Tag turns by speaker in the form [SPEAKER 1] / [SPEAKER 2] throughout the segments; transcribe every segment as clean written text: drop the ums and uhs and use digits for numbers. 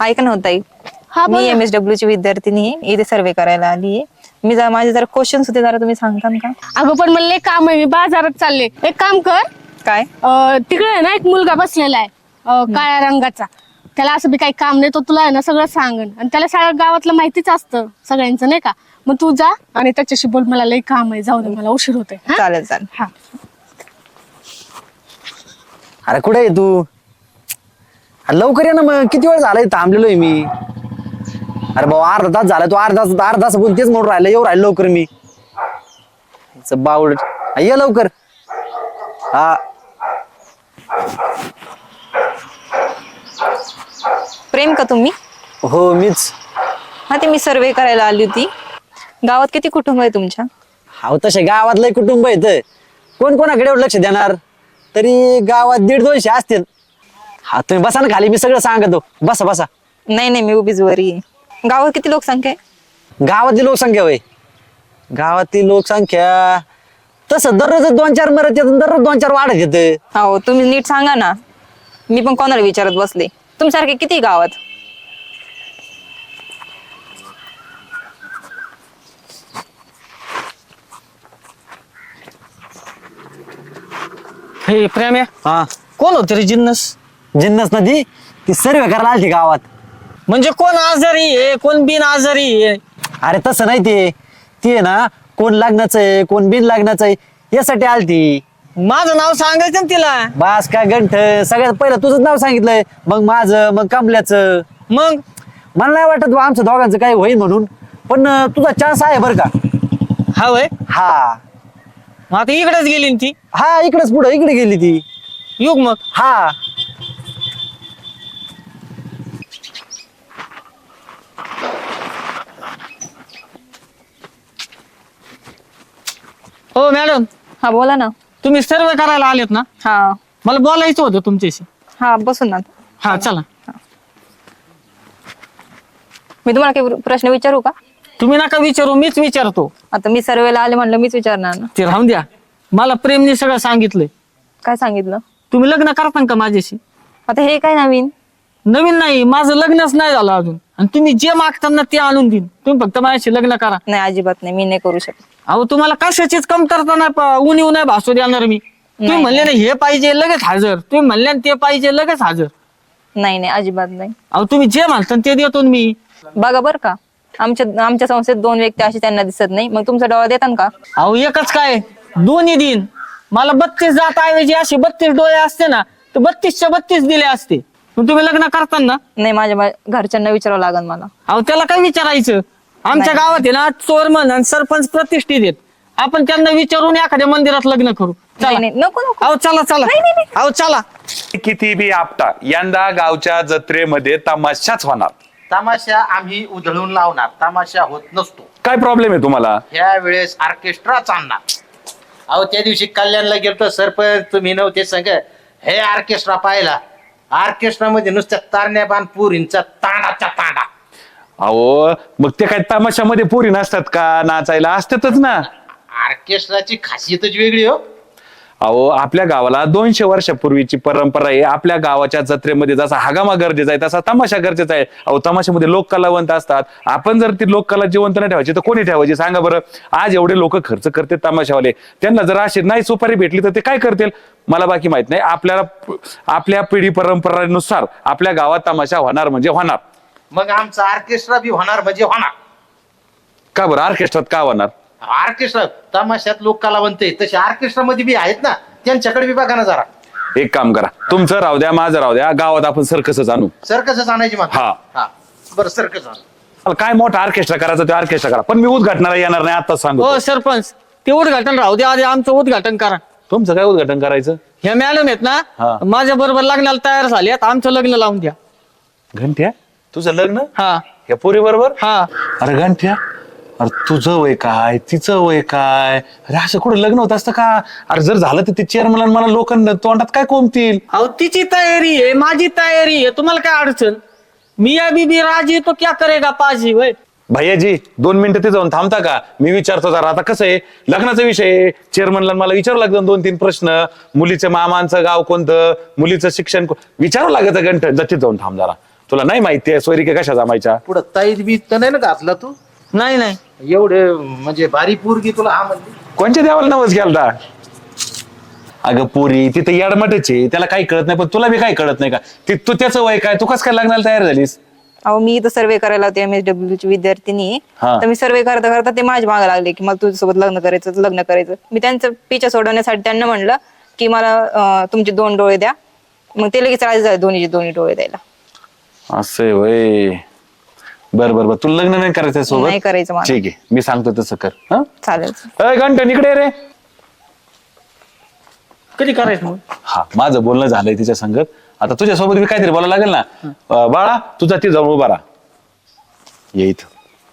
[SPEAKER 1] ऐक ना ताई,
[SPEAKER 2] हा
[SPEAKER 1] मी
[SPEAKER 2] बोल ना.
[SPEAKER 1] MSW ची विद्यार्थिनी आहे, इथे सर्वे करायला आली आहे. माझे जरा क्वेश्चन्स होते, जरा तुम्ही सांगताल का?
[SPEAKER 2] अगं पण मला लय काम आहे, मी बाजारात चालले. एक काम कर,
[SPEAKER 1] काय?
[SPEAKER 2] तिकडे आहे ना एक मुलगा बसलेला आहे काळ्या रंगाचा. त्याला असं बी काही काम नाही, तो तुला आहे ना सगळं सांगन आणि त्याला सगळ्या गावातलं माहितीच असतं सगळ्यांचं नाही का. मग तू जा आणि त्याच्याशी बोल, मला लय काम आहे, जाऊ दे मला उशीर होते.
[SPEAKER 1] चालेल चालेल.
[SPEAKER 2] हा
[SPEAKER 3] अरे कुठे आहे तू? अरे लवकर ये ना, मग किती वेळ झालाय थांबलेलोय मी. अरे भाऊ अर्धा तास झाला, तू अर्धा तास बोल तेच म्हणून राहिलं, येऊ राहिलं लवकर मी. बावड ये लवकर. हा
[SPEAKER 1] प्रेम का तुम्ही?
[SPEAKER 3] हो मीच.
[SPEAKER 1] हा, ते मी सर्वे करायला आली होती. गावात किती कुटुंब आहे तुमच्या?
[SPEAKER 3] हा तसे गावातलं कुटुंब आहे, कोण कोणाकडे एवढं लक्ष देणार? तरी गावात 150-200 असतील. हा तुम्ही बसा ना खाली, मी सगळं सांगतो. बसा बसा.
[SPEAKER 1] नाही नाही, मी उभीच वरी आहे. गावात किती लोकसंख्या आहे?
[SPEAKER 3] गावातली लोकसंख्या होय, गावातली लोकसंख्या तसं दररोज 2-4 मरत येत, दररोज 2-4 वाढत येत.
[SPEAKER 1] हो, तुम्ही नीट सांगा ना, मी पण कोणाला विचारत बसले. तुमच्यासारखे किती गावात?
[SPEAKER 4] हे प्रेम्या,
[SPEAKER 3] हा
[SPEAKER 4] कोण होते रे जिन्नस?
[SPEAKER 3] जिन्नस नदी ती सर्वे करायला आलती गावात.
[SPEAKER 4] म्हणजे कोण आजारी आहे, कोण बिन आजारी आहे?
[SPEAKER 3] अरे तसं नाही, ते आहे ना, कोण लग्नाचं आहे कोण बिन लग्नाचं आहे यासाठी आलती.
[SPEAKER 4] माझं नाव सांगायचं ना तिला.
[SPEAKER 3] बास काय गंठ, सगळ्यात पहिलं तुझंच नाव सांगितलंय, मग माझं, मग कमल्याचं.
[SPEAKER 4] मग
[SPEAKER 3] मला नाही वाटत बा आमच्या दोघांचं काही होईल म्हणून, पण तुझा चान्स आहे बरं का.
[SPEAKER 4] हा वय,
[SPEAKER 3] हा
[SPEAKER 4] मग आता इकडेच गेली ना ती.
[SPEAKER 3] हा इकडेच पुढं इकडे गेली ती.
[SPEAKER 4] युग मग
[SPEAKER 3] हा
[SPEAKER 4] हो मॅडम,
[SPEAKER 1] हा बोला ना.
[SPEAKER 4] तुम्ही सर्वे करायला आलेत ना?
[SPEAKER 1] हा
[SPEAKER 4] मला बोलायचं होतं तुमच्याशी.
[SPEAKER 1] हा, बसून ना.
[SPEAKER 4] हा चला.
[SPEAKER 1] मी तुम्हाला काही प्रश्न विचारू का?
[SPEAKER 4] तुम्ही नका विचारू, मीच विचारतो.
[SPEAKER 1] आता मी सर्वेला आले म्हणलं, मीच विचारणार ना.
[SPEAKER 4] ते राहून द्या. मला प्रेमने सगळं सांगितलंय.
[SPEAKER 1] काय सांगितलं?
[SPEAKER 4] तुम्ही लग्न करता का माझ्याशी?
[SPEAKER 1] आता हे काय नवीन?
[SPEAKER 4] नवीन नाही, माझं लग्नच नाही झालं अजून, आणि तुम्ही जे मागताना ते आणून देईन. तुम्ही फक्त माझ्याशी लग्न करा.
[SPEAKER 1] नाही, अजिबात नाही, मी नाही करू शकत.
[SPEAKER 4] अहो तुम्हाला कशाचीच कमतरता नाही, उणीव नाही भासू देणार मी. तुम्ही
[SPEAKER 1] नाही.
[SPEAKER 4] म्हणले ना हे पाहिजे लगेच हजर, तुम्ही म्हणले ना ते पाहिजे लगेच हजर.
[SPEAKER 1] नाही नाही, अजिबात नाही.
[SPEAKER 4] अहो तुम्ही जे म्हणता ते देतो ना मी.
[SPEAKER 1] बघा बर का, आमच्या संस्थेत 2 व्यक्ती अशी त्यांना दिसत नाही, मग तुमचा डोळा देतात का?
[SPEAKER 4] अहो एकच काय, दोन्ही दिन. मला 32 जात ऐवजी अशी 32 डोळे असते ना, तर 32च्या 32 दिले असते. पण तुम्ही लग्न करताना
[SPEAKER 1] नाही, माझ्या घरच्यांना विचारावं लागेल मला.
[SPEAKER 4] अहो त्याला काय विचारायचं? आमच्या गावात आहे ना चोरमन आणि सरपंच प्रतिष्ठित आहेत. आपण त्यांना विचारून एखाद्या मंदिरात लग्न करू.
[SPEAKER 1] नाही
[SPEAKER 4] चला.
[SPEAKER 1] नाही, नको नको.
[SPEAKER 4] अहो चला चला. अहो चला.
[SPEAKER 5] किती बी आपटा, यंदा गावच्या जत्रेमध्ये तमाशाच होणार.
[SPEAKER 6] तमाशा आम्ही उधळून लावणार, तमाशा होत नसतो.
[SPEAKER 5] काय प्रॉब्लेम आहे तुम्हाला?
[SPEAKER 6] ह्या वेळेस ऑर्केस्ट्रा चालणार. अहो त्या दिवशी कल्याणला गेलतो, सरपंच तुम्ही नव्हते संग. हे ऑर्केस्ट्रा पाहिला, ऑर्केस्ट्रा मध्ये नुसत्या तारण्या बाण पुरींचा तांडाचा तांडा.
[SPEAKER 5] अहो मग ते काय तमाशामध्ये पोरी नसतात का? नाचायला असतातच ना.
[SPEAKER 6] ऑर्केस्ट्राची खासियतच वेगळी हो.
[SPEAKER 5] अहो आपल्या गावाला 200 वर्षापूर्वीची परंपरा आहे. आपल्या गावाच्या जत्रेमध्ये जसा हगामा गरजेचा आहे तसा तमाशा गरजेचा आहे. अहो तमाशामध्ये लोककलावंत असतात. आपण जर ती लोककला जिवंत नाही ठेवायची तर कोणी ठेवायची सांगा बरं? आज एवढे लोक खर्च करते तमाशावाले, त्यांना जर अशी नाही सुपारी भेटली तर ते काय करतील मला बाकी माहित नाही. आपल्या पिढी परंपरेनुसार आपल्या गावात तमाशा होणार म्हणजे होणार.
[SPEAKER 6] मग आमचा ऑर्केस्ट्रा बी होणार म्हणजे होणार.
[SPEAKER 5] का बरं? ऑर्केस्ट्रात का होणार?
[SPEAKER 6] ऑर्केस्ट्रा तमाशात लोक कलावंत आहे, तसे ऑर्केस्ट्रा मध्ये बी आहेत ना, त्यांच्याकडे बी बघा ना जरा.
[SPEAKER 5] एक काम करा, तुमचं राहू द्या, माझं राहू द्या, गावात आपण सर्कसच आणू.
[SPEAKER 6] सर्कसच आणायची मग.
[SPEAKER 5] हा.
[SPEAKER 6] हा बरं, सर्कस आणू.
[SPEAKER 5] मला काय मोठा ऑर्केस्ट्रा करायचं ते ऑर्केस्ट्रा करा, पण मी उद्घाटनाला येणार नाही आता सांगू.
[SPEAKER 4] हो सरपंच, ते उद्घाटन राहू द्या, आधी आमचं उद्घाटन करा.
[SPEAKER 5] तुमचं काय उद्घाटन करायचं?
[SPEAKER 4] ह्या मॅडम आहेत
[SPEAKER 5] हा.
[SPEAKER 4] ना, माझ्या बरोबर लग्नाला तयार झाल्यात, आमचं लग्न लावून द्या.
[SPEAKER 5] घंट्या, तुझं लग्न
[SPEAKER 4] हा
[SPEAKER 5] या पोरी बरोबर?
[SPEAKER 4] हा.
[SPEAKER 5] अरे घंट्या, अरे तुझं वय काय तिचं वय काय? अरे असं कुठं लग्न होत असतं का? अरे जर झालं तर ते चेअरमन मला लोकांना तोंडात काय कोंबतील?
[SPEAKER 4] अहो तिची तयारी आहे, माझी तयारी आहे, तुम्हाला काय अडचण? मिया बीबी राजी तो क्या करेगा पाजी. वय
[SPEAKER 5] भैयाजी 2 मिनिटं ते जाऊन थांबता का? मी विचारतो जरा. आता कसं आहे, लग्नाचा विषय चेअरमनला मला विचारावं लागतं 2-3 प्रश्न. मुलीच्या मामांचं गाव कोणतं, मुलीचं शिक्षण विचारावं लागायचं. घंट जतीत जाऊन थांब जरा. तुला नाही माहिती आहे सोयरिके कशा जमायच्या?
[SPEAKER 6] पुढं ताईत बी तर नाही ना घातला तू?
[SPEAKER 4] नाही नाही
[SPEAKER 6] एवढे म्हणजे भारी पोरगी तुला हा म्हणली?
[SPEAKER 5] कोणच्या देवाला नवस घ्यालता? अगं पोरी तिथे याडमटच आहे, त्याला काही कळत नाही. पण तुला बी काही कळत नाही का? तू त्याचं वय काय, तू कसं काय लग्नाला तयार झालीस?
[SPEAKER 1] अहो मी इथं सर्वे करायला होते MSW ची विद्यार्थिनी आहे.
[SPEAKER 5] हा.
[SPEAKER 1] तर मी सर्वे करता करता ते माझ्या मागे लागले की मला तुझ्यासोबत लग्न करायचं. मी त्यांचं पिछा सोडवण्यासाठी त्यांना म्हणलं की मला तुमचे 2 डोळे द्या. मग ते लगेच राजी झाले दोन्ही डोळे द्यायला.
[SPEAKER 5] असं आहे वय. बर तुला लग्न नाही करायचं सोबत?
[SPEAKER 1] नाही करायचं मला.
[SPEAKER 5] ठीक आहे, मी सांगतो तसं कर. हा
[SPEAKER 1] चालेल.
[SPEAKER 5] घंटन इकडे ये रे.
[SPEAKER 4] कधी करायचं मग?
[SPEAKER 5] हा माझं बोलणं झालंय तिच्या संगत. आता तुझ्यासोबत मी काहीतरी बोलायला लागेल ना. बाळा तुझा ती जाऊन उभा राहा. ये इथं.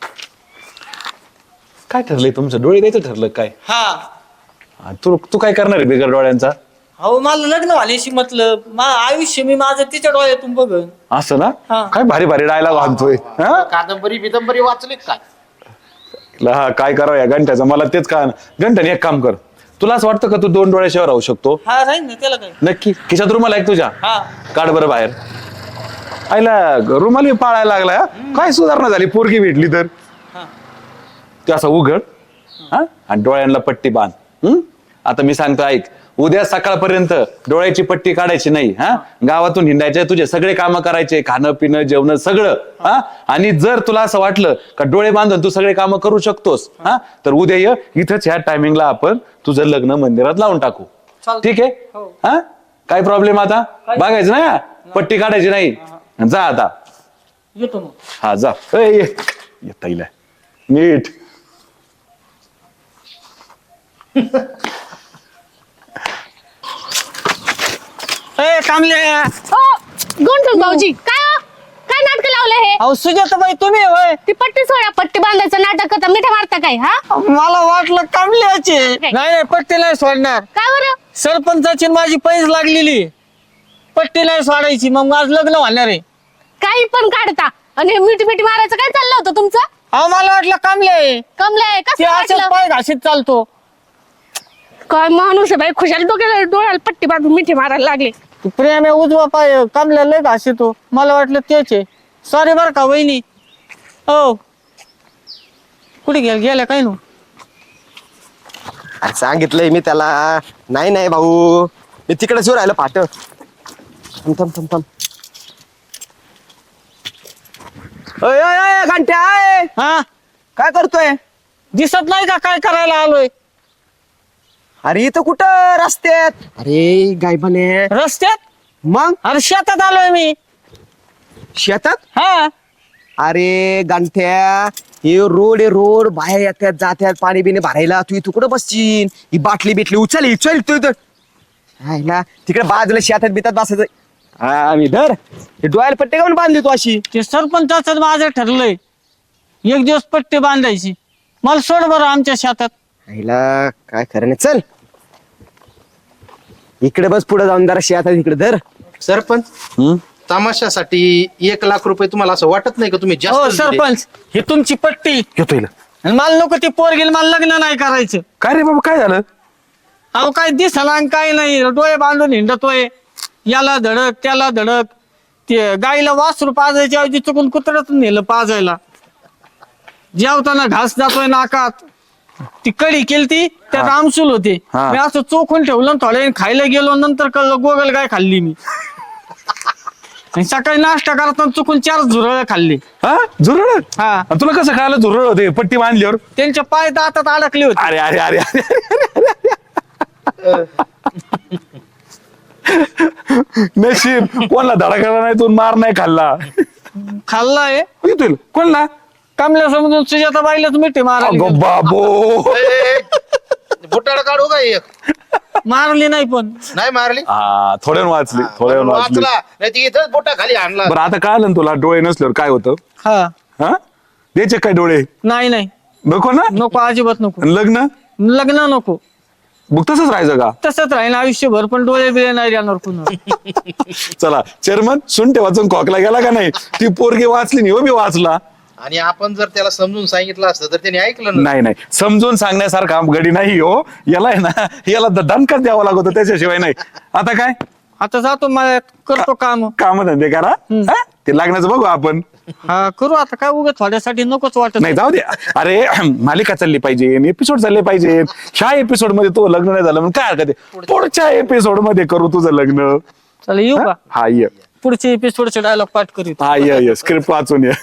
[SPEAKER 5] काय ठरलंय तुमचं? डोळे द्यायचं ठरलं काय?
[SPEAKER 4] हा
[SPEAKER 5] तू काय करणार आहे बिगर डोळ्यांचा?
[SPEAKER 4] अहो मला लग्न व्हायची मतलब आयुष्य मी माझं तिच्या डोळ्यातून बघन.
[SPEAKER 5] असं ना?
[SPEAKER 4] हा.
[SPEAKER 5] काय भारी भारी डायलॉग आणतोय.
[SPEAKER 6] कादंबरी वाचलीत काय?
[SPEAKER 5] हा काय करावं या घंट्याचं मला तेच का. घंटन एक काम कर, तुला असं वाटतं का तू 2 डोळ्याशिवाय राहू शकतो?
[SPEAKER 4] हा राहील ना त्याला काय.
[SPEAKER 5] नक्की? खिशात रुमाल आहे का तुझ्या?
[SPEAKER 4] हा
[SPEAKER 5] काढ बरं बाहेर. आईला रुमाल मी पाळायला लागला. हा? काय सुधारणा झाली पोरगी भेटली तर.
[SPEAKER 4] हा.
[SPEAKER 5] ते असं उघड हा आणि डोळ्यांना पट्टी बांध. आता मी सांगतो ऐक, उद्या सकाळपर्यंत डोळ्याची पट्टी काढायची नाही. हा गावातून हिंडायचे, तुझे सगळे कामं करायचे, खाणं पिणं जेवण सगळं. हा आणि जर तुला असं वाटलं का डोळे बांधून तू सगळे कामं करू शकतोस हा तर उद्या ये इथंच ह्या टायमिंगला आपण तुझं लग्न मंदिरात लावून टाकू.
[SPEAKER 4] चालतंय.
[SPEAKER 5] ठीक आहे?
[SPEAKER 4] हो.
[SPEAKER 5] हा काय प्रॉब्लेम आता? बघायचं ना पट्टी काढायची नाही. जा आता.
[SPEAKER 4] येतो मग.
[SPEAKER 5] हा जा. येता येईल नीट.
[SPEAKER 4] कामले.
[SPEAKER 2] गंठन भाऊजी काय नाटक लावलं हे?
[SPEAKER 4] अहो सुजाताबाई तुम्ही होय?
[SPEAKER 2] ती पट्टी सोडा, पट्टी बांधायचं नाटक करता, मिठा मारता काय? हा
[SPEAKER 4] मला वाटलं कामल्याचे. नाही पट्टी नाही सोडणार.
[SPEAKER 2] काय बरं?
[SPEAKER 4] सरपंचाची माझी पैस लागलेली. पट्टी नाही सोडायची, मग माझं लग्न होणार आहे.
[SPEAKER 2] काही पण काढता आणि मिठी मारायचं काय चाललं होतं तुमचं?
[SPEAKER 4] अहो मला वाटलं कामले.
[SPEAKER 2] कमलंय
[SPEAKER 4] ते
[SPEAKER 2] कसं
[SPEAKER 4] असं
[SPEAKER 2] वाटलं?
[SPEAKER 4] पाय घाशीत चालतो.
[SPEAKER 2] काय माणूस आहे बाई, खुशाल डोळ्याला पट्टी बांधून मिठी मारायला लागले.
[SPEAKER 4] तू प्रेम आहे उजवा पाय कामल्या लय घाशीतो. मला वाटलं तेच आहे. सॉरी बर का वहिनी. हो कुठे गेल्या काय नो?
[SPEAKER 7] अरे सांगितलंय मी त्याला. नाही भाऊ, मी तिकडेच राहिलं पाठ. थांब. घंट्या आहे.
[SPEAKER 4] हा
[SPEAKER 7] काय करतोय?
[SPEAKER 4] दिसत नाही का काय करायला आलोय?
[SPEAKER 7] अरे इथं कुठं रस्त्यात? अरे गायबाने.
[SPEAKER 4] रस्त्यात?
[SPEAKER 7] मग
[SPEAKER 4] अरे शेतात आलोय मी.
[SPEAKER 7] शेतात?
[SPEAKER 4] हा
[SPEAKER 7] अरे गांठ्या, हे रोड आहे रोड. बाहेर येतात जात्यात पाणी बिणी भरायला. तू इथं कुठं बसशील? ही बाटली बिटली उचल तू इथं. हायला तिकडे बाजूला शेतात बितात बसायचं. हा मी धर हे डोळ्याला पट्टे काऊन बांधली तू अशी?
[SPEAKER 4] ते सरपंचाच माझं ठरलंय 1 दिवस पट्टी बांधायची. मला सोड बरं आमच्या शेतात.
[SPEAKER 7] हायला काय खरं नाही. चल इकडे बस, पुढे जाऊन जरा शेतात इकडे धर.
[SPEAKER 6] सरपंच तमाशासाठी 1 लाख रुपये तुम्हाला असं वाटत नाही का तुम्ही
[SPEAKER 4] हो
[SPEAKER 6] जास्त दिले?
[SPEAKER 4] सरपंच ही तुमची पट्टी.
[SPEAKER 5] येतो येईल.
[SPEAKER 4] आणि मला नको ती पोरगील मला लग्न नाही करायचं.
[SPEAKER 5] काय रे बाबा काय झालं?
[SPEAKER 4] अहो काय दिसला आणि काय नाही. डोळे बांधून हिंडतोय, याला धडक त्याला धडक. ते गाईला वासरू पाजायच्या ऐवजी चुकून कुत्र्यातून नेलं पाजायला. जेवताना घास जातोय नाकात. ती कडी केलती त्यात आमसूल होते.
[SPEAKER 5] हा.
[SPEAKER 4] मी असं चोखून ठेवलं थोड्या वेळ खायला गेलो. नंतर कळलं गोगल गाय खाल्ली मी. आणि सकाळी नाश्ता करताना चुकून 4 झुरळ खाल्ली.
[SPEAKER 5] हा झुरळ?
[SPEAKER 4] हा.
[SPEAKER 5] आणि तुला कसं कळालं झुरळ होते पट्टी बांधल्यावर?
[SPEAKER 4] त्यांचे पाय दातात अडकले होते.
[SPEAKER 5] अरे अरे अरे नशीब कोणला धडा नाही तू मार नाही खाल्ला.
[SPEAKER 4] खाल्लाय
[SPEAKER 5] येतो कोणला?
[SPEAKER 4] कमल्या समजून सुजाताबाईलाच मिठी मारली.
[SPEAKER 5] अगो बाबो.
[SPEAKER 6] बुटाड काढू का एक?
[SPEAKER 4] मारली नाही पण.
[SPEAKER 6] नाही मारली.
[SPEAKER 5] हा थोड्यान वाचली थोड्यान वाचली.
[SPEAKER 6] वाचला नाही ती इथंच बोटा खाली आणला.
[SPEAKER 5] बरं आता कळालं ना तुला डोळे नसल्यावर काय होतं?
[SPEAKER 4] हा
[SPEAKER 5] हा द्यायचे काय डोळे?
[SPEAKER 4] नाही
[SPEAKER 5] नको ना?
[SPEAKER 4] नको अजिबात नको.
[SPEAKER 5] आणि लग्न?
[SPEAKER 4] लग्न नको.
[SPEAKER 5] मग तसंच राहायचं का?
[SPEAKER 4] तसंच राहील आयुष्यभर. पण डोळे बिळे नाही जाणार पुन्हा.
[SPEAKER 5] चला चेअरमन सुंटे वाचून खोकला गेला का नाही? ती पोरगी वाचली नाही हो मी वाचला.
[SPEAKER 6] आणि आपण जर त्याला समजून सांगितलं असतं तर त्याने ऐकलं ना.
[SPEAKER 5] नाही समजून सांगण्यासारखा गडी नाही हो. याला आहे ना याला दणकाच द्यावा लागतो त्याच्याशिवाय नाही. आता काय
[SPEAKER 4] आता जातो मला करतो काम.
[SPEAKER 5] काम धंदे करा. हा? ते लग्नाचं बघू आपण.
[SPEAKER 4] हा करू आता काय उगाच थोड्यासाठी नकोच वाटत.
[SPEAKER 5] नाही जाऊ दे. अरे मालिका चालली पाहिजे, एपिसोड चालले पाहिजे. ह्या एपिसोड मध्ये तो लग्न नाही झालं मग काय हरकत आहे, पुढच्या एपिसोड मध्ये करू तुझं लग्न.
[SPEAKER 4] चला येऊ का?
[SPEAKER 5] हा ये.
[SPEAKER 4] पुढचे एपिसोडचे डायलॉग पाठ करीत.
[SPEAKER 5] हा ये स्क्रिप्ट वाचून ये.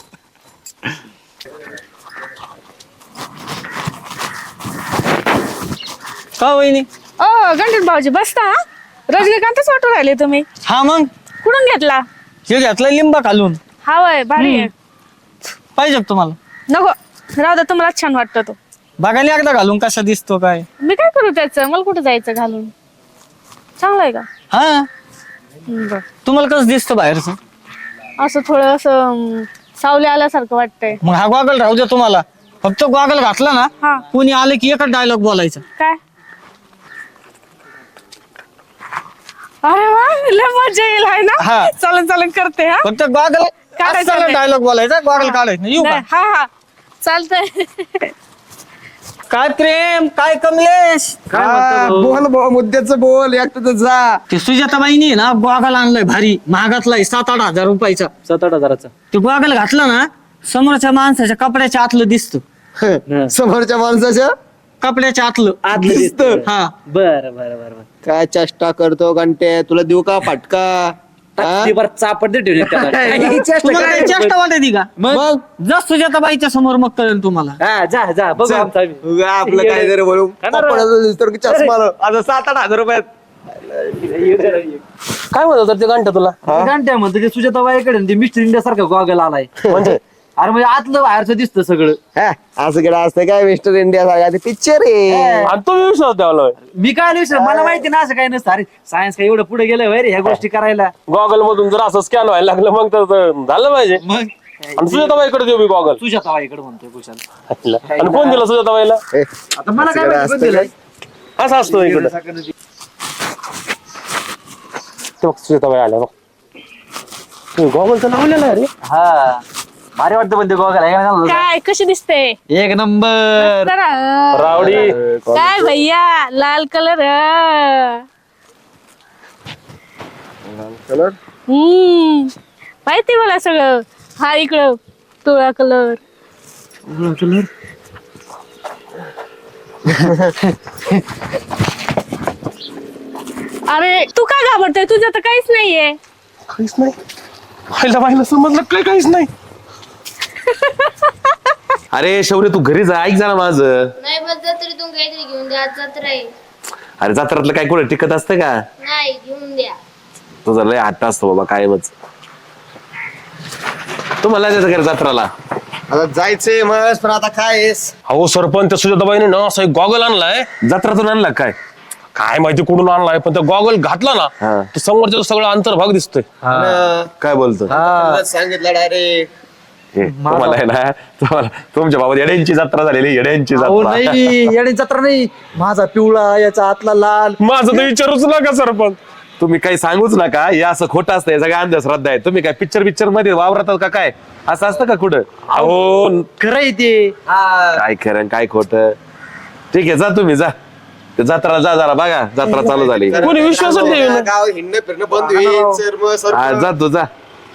[SPEAKER 4] का वहिनी?
[SPEAKER 2] गणेश भाऊजी बसता हा? रजनीकांतच वाटू राहिले तुम्ही.
[SPEAKER 4] हा मग
[SPEAKER 2] कुठून घेतला?
[SPEAKER 4] हे घेतलं लिंबा घालून.
[SPEAKER 2] हा वय भारी आहे.
[SPEAKER 4] पाहिजे का तुम्हाला?
[SPEAKER 2] नको राहू दे, तुम्हाला छान वाटतं तो.
[SPEAKER 4] बघायला एकदा घालून कसा दिसतो काय.
[SPEAKER 2] मी काय करू त्याचं, मला कुठं जायचं घालून. चांगलं आहे का?
[SPEAKER 4] हा
[SPEAKER 2] बर.
[SPEAKER 4] तुम्हाला कसं दिसतं बाहेरचं?
[SPEAKER 2] असं थोडं असं सावली आल्यासारखं वाटतंय.
[SPEAKER 4] मग हा गॉगल राहू द्या तुम्हाला. फक्त गॉगल घातला ना
[SPEAKER 2] हा.
[SPEAKER 4] कोणी आलं की एकच डायलॉग बोलायचा.
[SPEAKER 2] काय? अरे वा लय मजा येईल आहे ना.
[SPEAKER 4] हा.
[SPEAKER 2] चालन चालन करते हा.
[SPEAKER 4] फक्त गॉगल
[SPEAKER 2] काढायचं नाही.
[SPEAKER 4] डायलॉग बोलायचा, गॉगल काढायचं नाही. येऊ का?
[SPEAKER 2] नाही, हा हा चालतंय.
[SPEAKER 4] काय प्रेम, काय कमलेश.
[SPEAKER 7] बोल भाऊ, मुद्द्याचं बोल, एकटं जा.
[SPEAKER 4] ते सुजाताबाईनी ना गॉगल आणलाय भारी महागातलाय 7-8 हजार रुपयाचा.
[SPEAKER 3] 7-8 हजाराचा.
[SPEAKER 4] ते गॉगल घातला ना समोरच्या माणसाच्या कपड्याच्या आतलं दिसतं.
[SPEAKER 7] समोरच्या माणसाच्या
[SPEAKER 4] कपड्याच्या आतलं
[SPEAKER 7] दिसतं.
[SPEAKER 4] हा.
[SPEAKER 3] बरं
[SPEAKER 7] काय चेष्टा करतो घंटे, तुला देऊ का फटका?
[SPEAKER 3] चापट दे ठेवली त्याला.
[SPEAKER 4] तुम्हाला काही चेष्टा वाटते का?
[SPEAKER 7] मग
[SPEAKER 4] जा सुजाताबाईच्या समोर मग कळेल तुम्हाला.
[SPEAKER 3] हा जा बघू आमचा आम्ही.
[SPEAKER 7] उगा आपलं काय जरी बोलू पप्पाला दिसतो की चष्मा लाव. आता 7-8 हजार रुपयात
[SPEAKER 3] काय म्हणतो तर ते घंटा तुला? घंट्या म्हणतो ते सुजाताबाईकडे मिस्टर इंडिया सारखा गॉगल आलाय. म्हणजे अरे म्हणजे आतलं बाहेरचं दिसतं सगळं.
[SPEAKER 7] हा, असं केलं असतं काय मिस्टर इंडिया सारखा पिक्चर आहे.
[SPEAKER 3] आणि तो विश्वास द्यावा. मी काय विश्वास, मला माहिती ना असं काय नसतं. अरे सायन्स काय एवढं पुढे गेलं रे ह्या गोष्टी करायला.
[SPEAKER 8] गॉगल मधून जर असं स्कॅन व्हायला लागलं मग तर झालं पाहिजे. आणि सुजाताबाईकडे देऊ मी गॉगल.
[SPEAKER 3] सुजाताबाईकडे म्हणतोय कुशाल.
[SPEAKER 8] आणि कोण दिलं सुजाताबाईला?
[SPEAKER 3] आता मला काय माहिती कोण दिलंय?
[SPEAKER 8] असं असतं इकडं. ते बघ सुजाताबाई आल्या बघ. गॉगल तर लावलेला आहे रे.
[SPEAKER 3] हा भारी वाटतं पण ते गॉगल आहे.
[SPEAKER 2] काय कशी दिसते?
[SPEAKER 4] एक नंबर.
[SPEAKER 8] रावडी.
[SPEAKER 2] काय भैया लाल कलर. माहिती मला सगळं. हा इकडं पिवळा कलर. अरे तू काय घाबरतोय, तुझं तर काहीच नाहीये.
[SPEAKER 8] काहीच नाही. व्हायला समजलं काय काहीच नाही.
[SPEAKER 5] अरे शौर्य तू घरी जा, ऐक जा ना माझं.
[SPEAKER 9] नाही बस जत्रेतून काहीतरी घेऊन द्या, आज जत्रा आहे.
[SPEAKER 5] अरे जत्रातलं काय कुठे टिकत असतं का?
[SPEAKER 9] नाही घेऊन द्या.
[SPEAKER 5] तुझा लय हट्ट असतो बाबा कायमच. तुम्हाला जायचं घरी जत्राला?
[SPEAKER 7] आता जायचंय मस्त, पण आता काय आहेस?
[SPEAKER 8] अहो सरपंच त्या सुजाताबाईने ना असं एक गॉगल आणलाय.
[SPEAKER 5] जत्रातून आणला काय?
[SPEAKER 8] काय माहिती कुठून आणलाय पण त्या गॉगल घातला ना
[SPEAKER 5] हा.
[SPEAKER 8] तर समोरच्या सगळं अंतर्भाग दिसतोय.
[SPEAKER 5] काय बोलतो?
[SPEAKER 7] सांगितलं डायरेक्ट.
[SPEAKER 5] तुम्हाला आहे ना, तुम्हाला तुमच्या बाबा येड्यांची जत्रा झालेली, येड्यांची जत्रा.
[SPEAKER 3] येणे जत्रा नाही. माझा पिवळा याचा आतला लाल.
[SPEAKER 8] माझं तर विचारूच नका सरपंच.
[SPEAKER 5] तुम्ही काही सांगूच नका, हे असं खोटं असतं, हे सगळ्या अंधश्रद्धा आहे. तुम्ही काय पिक्चर मध्ये वावरतात का काय? असं असतं का कुठं?
[SPEAKER 8] अहो
[SPEAKER 3] खरंय ते.
[SPEAKER 5] काय खरं काय खोटं? ठीक आहे जा तुम्ही जा, ते जत्रा जा जरा बघा, जत्रा चालू झाली.
[SPEAKER 8] कोणी विश्वासच नाही ना.
[SPEAKER 7] गाव हिंडणं फिरणं बंद होईल सर. मग
[SPEAKER 5] हा जा तू जा.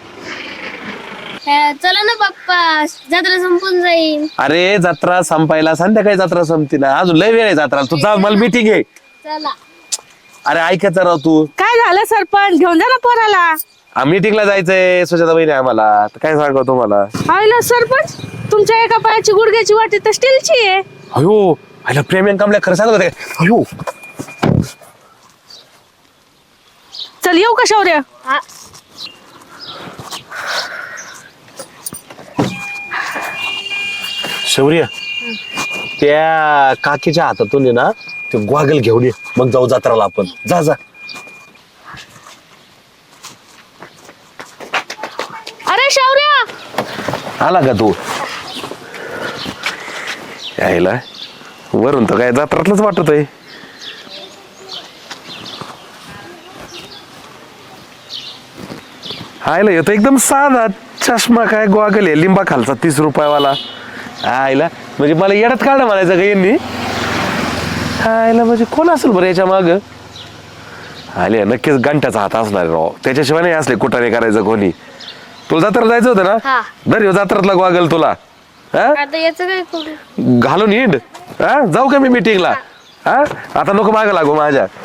[SPEAKER 9] चला ना पप्पा, जत्रा संपून जाईल.
[SPEAKER 5] अरे जत्रा संपायला संध्याकाळी जत्रा संपती ना, अजून लय वेळ आहे जत्रा. तू जा, मला मीटिंग आहे.
[SPEAKER 9] चला.
[SPEAKER 5] अरे ऐकायचं राव तू.
[SPEAKER 2] काय झालं सरपंच, घेऊन जा ना पोराला.
[SPEAKER 5] मीटिंगला जायचंय सुजाता बहिणी आम्हाला, तर काय सांगा तुम्हाला.
[SPEAKER 2] आयला सरपंच, तुमच्या एका पायाची गुडघ्याची वाटी तर स्टीलची आहे.
[SPEAKER 5] अयो आयला प्रेम कमल्या खरं सांगत होते. अयो
[SPEAKER 2] चल येऊ का शौर्य?
[SPEAKER 5] शौर्य, त्या काकीच्या हातातून आहे ना ते ग्वागल घेऊन ये, मग जाऊ जत्राला आपण. जा जा.
[SPEAKER 2] अरे शौर्य,
[SPEAKER 5] आला का तू? यायला वरून तर काय जत्रातलंच वाटत आहे. आयला येतो एकदम साधा चष्मा, काय ग्वागल आहे लिंबा खालचा 30 रुपयावाला. आयला म्हणजे मला येड्यात काढा म्हणायचं का यांनी? आयला म्हणजे कोण असेल बरं याच्या माग? आले नक्कीच घंट्याचा हात असणार राव, त्याच्याशिवाय नाही असले कुठाने करायचं कोणी.
[SPEAKER 8] तुला जत्रा जायचं होतं ना
[SPEAKER 9] हा.
[SPEAKER 8] बरं ह्यो जत्रातला गॉगल तुला हा
[SPEAKER 9] आता याचं काय करू
[SPEAKER 8] घालून हिंड हा जाऊ का मी मीटिंगला हा आता नको मागं लागू माझ्या